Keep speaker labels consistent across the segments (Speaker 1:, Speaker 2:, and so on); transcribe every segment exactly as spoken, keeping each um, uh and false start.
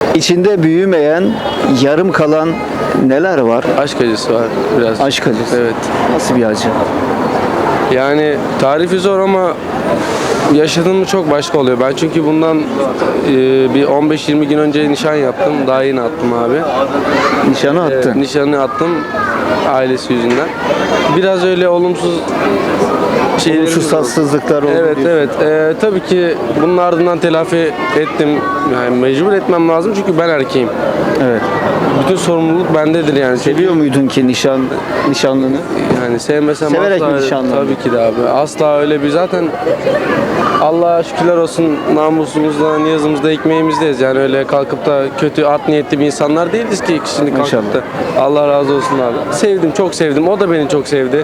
Speaker 1: İçinde büyümeyen, yarım kalan neler var?
Speaker 2: Aşk acısı var biraz.
Speaker 1: Aşk acısı.
Speaker 2: Evet.
Speaker 1: Nasıl bir acı?
Speaker 2: Yani tarifi zor ama yaşadığın mı çok başka oluyor. Ben çünkü bundan e, bir on beş yirmi gün önce nişan yaptım. Daha yeni attım abi.
Speaker 1: Nişanı attın.
Speaker 2: E, nişanı attım ailesi yüzünden. Biraz öyle olumsuz şeylerimiz
Speaker 1: Olumsuz
Speaker 2: oldu.
Speaker 1: tatsızlıklar oldu.
Speaker 2: Evet
Speaker 1: diyorsun.
Speaker 2: evet. E, tabii ki bunun ardından telafi ettim. Yani mecbur etmem lazım çünkü ben erkeğim.
Speaker 1: Evet.
Speaker 2: Bütün sorumluluk bendedir yani.
Speaker 1: Seviyor muydun ki nişan nişanlını?
Speaker 2: Yani sevmesem
Speaker 1: Severek
Speaker 2: asla
Speaker 1: mi nişanlandın?
Speaker 2: tabii ki de abi. Asla öyle bir zaten Allah'a şükürler olsun namusumuzda, niyazımızda, ekmeğimizdeyiz. Yani öyle kalkıp da kötü, art niyetli bir insanlar değiliz ki şimdi kalkıp
Speaker 1: İnşallah.
Speaker 2: da. Allah razı olsun abi. Sevdim, çok sevdim. O da beni çok sevdi.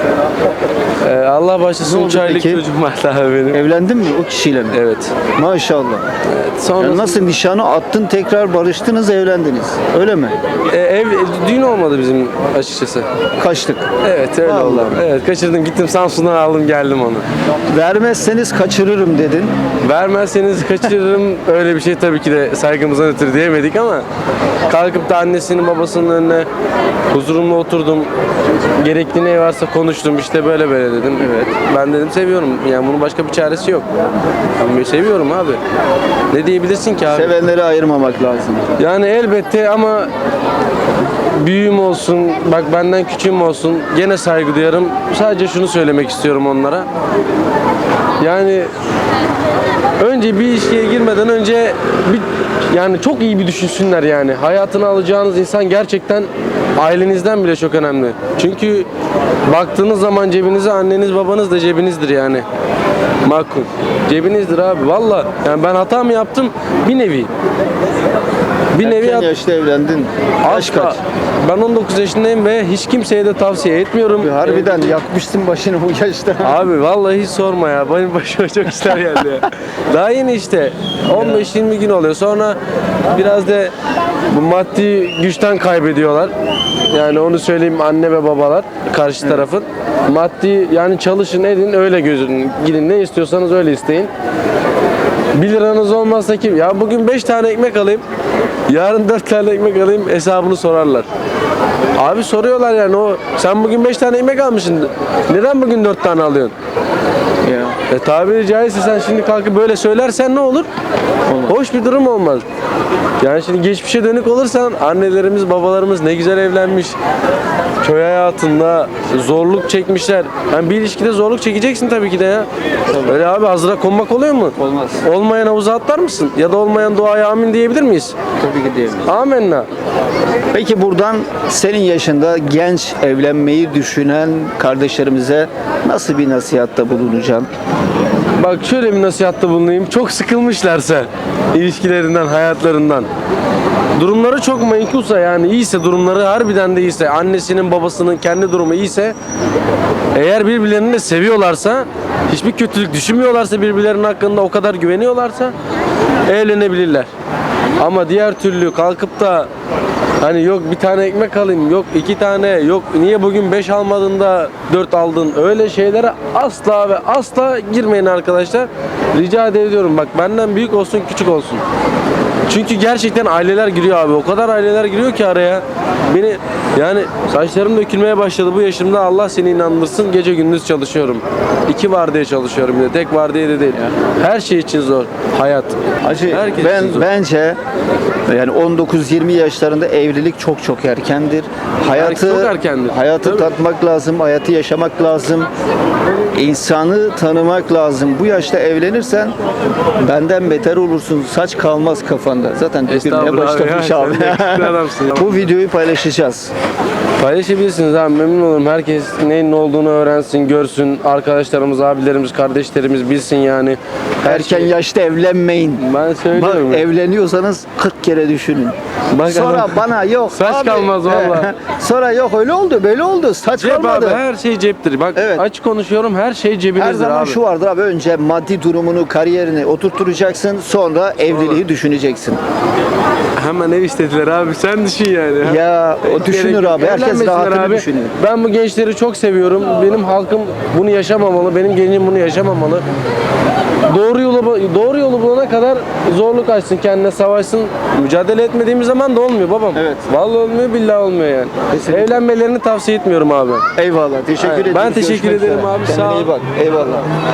Speaker 2: Ee, Allah
Speaker 1: Ne
Speaker 2: başlasın
Speaker 1: oldu
Speaker 2: üç aylık
Speaker 1: peki?
Speaker 2: çocuğum var daha benim.
Speaker 1: Evlendin mi o kişiyle mi?
Speaker 2: Evet.
Speaker 1: Maşallah.
Speaker 2: Sonra
Speaker 1: Yani nasıl nişanı attın, tekrar barıştınız, evlendiniz. Öyle mi?
Speaker 2: e, ev düğün olmadı bizim açıkçası.
Speaker 1: Kaçtık.
Speaker 2: Evet öyle
Speaker 1: Vallahi.
Speaker 2: oldu. Evet kaçırdım gittim Samsun'dan aldım geldim onu.
Speaker 1: Vermezseniz kaçırırım dedin.
Speaker 2: Vermezseniz kaçırırım öyle bir şey tabii ki de saygımızdan ötürü diyemedik ama kalkıp da annesinin babasının önüne huzurumla oturdum. Gerekli ne varsa konuştum işte böyle böyle dedim. Evet. Ben dedim seviyorum. Yani bunun başka bir çaresi yok. Ben seviyorum abi. Ne diyebilirsin ki abi?
Speaker 1: Sevenleri ayırmamak lazım.
Speaker 2: Yani elbette ama büyüğüm olsun, bak benden küçüğüm olsun gene saygı duyarım. Sadece şunu söylemek istiyorum onlara. Yani önce bir ilişkiye girmeden önce bir, yani çok iyi bir düşünsünler yani. Hayatını alacağınız insan gerçekten ailenizden bile çok önemli. Çünkü baktığınız zaman cebinize anneniz babanız da cebinizdir yani. Makul. Cebinizdir abi valla. Yani ben hata mı yaptım? Bir nevi. Bir nevi
Speaker 1: Erken
Speaker 2: hat-
Speaker 1: yaşta evlendin. Yaş
Speaker 2: Asla.
Speaker 1: kaç?
Speaker 2: Ben on dokuz yaşındayım ve hiç kimseye de tavsiye etmiyorum.
Speaker 1: Harbiden yakmışsın başını bu yaşta.
Speaker 2: Abi vallahi hiç sorma ya. Benim başıma çok işler geldi ya. Daha yeni işte. on beş yirmi gün oluyor. Sonra biraz da bu maddi güçten kaybediyorlar. Yani onu söyleyeyim anne ve babalar karşı tarafın. Maddi yani çalışın edin öyle gözün. Gidin ne istiyorsanız öyle isteyin. bir liranız olmazsa kim? Ya bugün beş tane ekmek alayım. Yarın dört tane ekmek alayım hesabını sorarlar. Abi soruyorlar yani o sen bugün beş tane ekmek almışsın. Neden bugün dört tane alıyorsun?
Speaker 1: Ya.
Speaker 2: E tabiri caizse sen şimdi kalkıp böyle söylersen ne olur? Hoş bir durum olmaz. Yani şimdi geçmişe dönük olursan annelerimiz babalarımız ne güzel evlenmiş. Köy hayatında zorluk çekmişler. Yani bir ilişkide zorluk çekeceksin tabii ki de ya. Öyle abi hazıra konmak oluyor mu?
Speaker 1: Olmaz.
Speaker 2: Olmayan havuza atlar mısın? Ya da olmayan duaya amin diyebilir miyiz?
Speaker 1: Tabii ki diyelim.
Speaker 2: Amenna.
Speaker 1: Peki buradan senin yaşında genç evlenmeyi düşünen kardeşlerimize nasıl bir nasihatta bulunacaksın?
Speaker 2: Bak şöyle bir nasihatta bulunayım. Çok sıkılmışlarsa ilişkilerinden, hayatlarından. Durumları çok menkulsa yani iyiyse durumları harbiden de iyiyse annesinin babasının kendi durumu iyiyse eğer birbirlerini de seviyorlarsa hiçbir kötülük düşünmüyorlarsa birbirlerinin hakkında o kadar güveniyorlarsa evlenebilirler. Ama diğer türlü kalkıp da hani yok bir tane ekmek alayım, yok iki tane, yok niye bugün beş almadın da dört aldın öyle şeylere asla ve asla girmeyin arkadaşlar. Rica ediyorum bak benden büyük olsun küçük olsun. Çünkü gerçekten aileler giriyor abi. O kadar aileler giriyor ki araya. Beni yani saçlarım dökülmeye başladı bu yaşımda. Allah seni inandırsın. Gece gündüz çalışıyorum. İki vardiya çalışıyorum bir de. Tek vardiya da değil. Her şey için zor. Hayat.
Speaker 1: Hacı
Speaker 2: Herkes
Speaker 1: ben
Speaker 2: için zor.
Speaker 1: bence yani on dokuz yirmi yaşlarında evlilik çok çok erkendir. Hayatı
Speaker 2: çok erkendir.
Speaker 1: hayatı
Speaker 2: Tabii.
Speaker 1: tatmak lazım, hayatı yaşamak lazım. İnsanı tanımak lazım. Bu yaşta evlenirsen benden beter olursun. Saç kalmaz kafanda. Zaten dökülmeye
Speaker 2: Estağfurullah abi
Speaker 1: başlamış
Speaker 2: ya,
Speaker 1: abi.
Speaker 2: sen de yakışıklı adamsın ya.
Speaker 1: Bu videoyu paylaşacağız.
Speaker 2: Paylaşabilirsiniz abi memnun olurum. Herkes neyin ne olduğunu öğrensin, görsün. Arkadaşlarımız, abilerimiz, kardeşlerimiz bilsin yani. Her
Speaker 1: Erken
Speaker 2: şey-
Speaker 1: yaşta evlenmeyin.
Speaker 2: Ben
Speaker 1: Bak,
Speaker 2: söylüyorum.
Speaker 1: evleniyorsanız kırk kere düşünün.
Speaker 2: Bak
Speaker 1: Sonra
Speaker 2: adam-
Speaker 1: bana yok
Speaker 2: Saç
Speaker 1: abi.
Speaker 2: kalmaz valla.
Speaker 1: Sonra yok öyle oldu böyle oldu. Saç
Speaker 2: Cep
Speaker 1: kalmadı.
Speaker 2: abi her şey ceptir. Bak
Speaker 1: Evet.
Speaker 2: açık konuşuyorum her şey cebinizdir
Speaker 1: Her zaman
Speaker 2: abi.
Speaker 1: şu vardır abi, önce maddi durumunu, kariyerini oturtturacaksın, sonra evliliği düşüneceksin.
Speaker 2: Hemen ev istediler abi sen düşün yani.
Speaker 1: Ya o
Speaker 2: Hiç
Speaker 1: düşünür
Speaker 2: gerek yok.
Speaker 1: abi, herkes
Speaker 2: Evlenmesinler
Speaker 1: rahatını
Speaker 2: abi.
Speaker 1: düşünüyor.
Speaker 2: Ben bu gençleri çok seviyorum. Benim halkım bunu yaşamamalı. Benim gencim bunu yaşamamalı. doğru yolu doğru yolu bulana kadar zorluk açsın, kendine savaşsın. Mücadele etmediğimiz zaman da olmuyor babam.
Speaker 1: Evet.
Speaker 2: Vallahi olmuyor, billahi olmuyor yani.
Speaker 1: Kesinlikle.
Speaker 2: Evlenmelerini tavsiye etmiyorum abi.
Speaker 1: Eyvallah. Teşekkür
Speaker 2: Aynen.
Speaker 1: ederim.
Speaker 2: Ben teşekkür
Speaker 1: Görüşmek
Speaker 2: ederim
Speaker 1: üzere.
Speaker 2: abi,
Speaker 1: Kendine
Speaker 2: sağ ol.
Speaker 1: iyi bak. Eyvallah.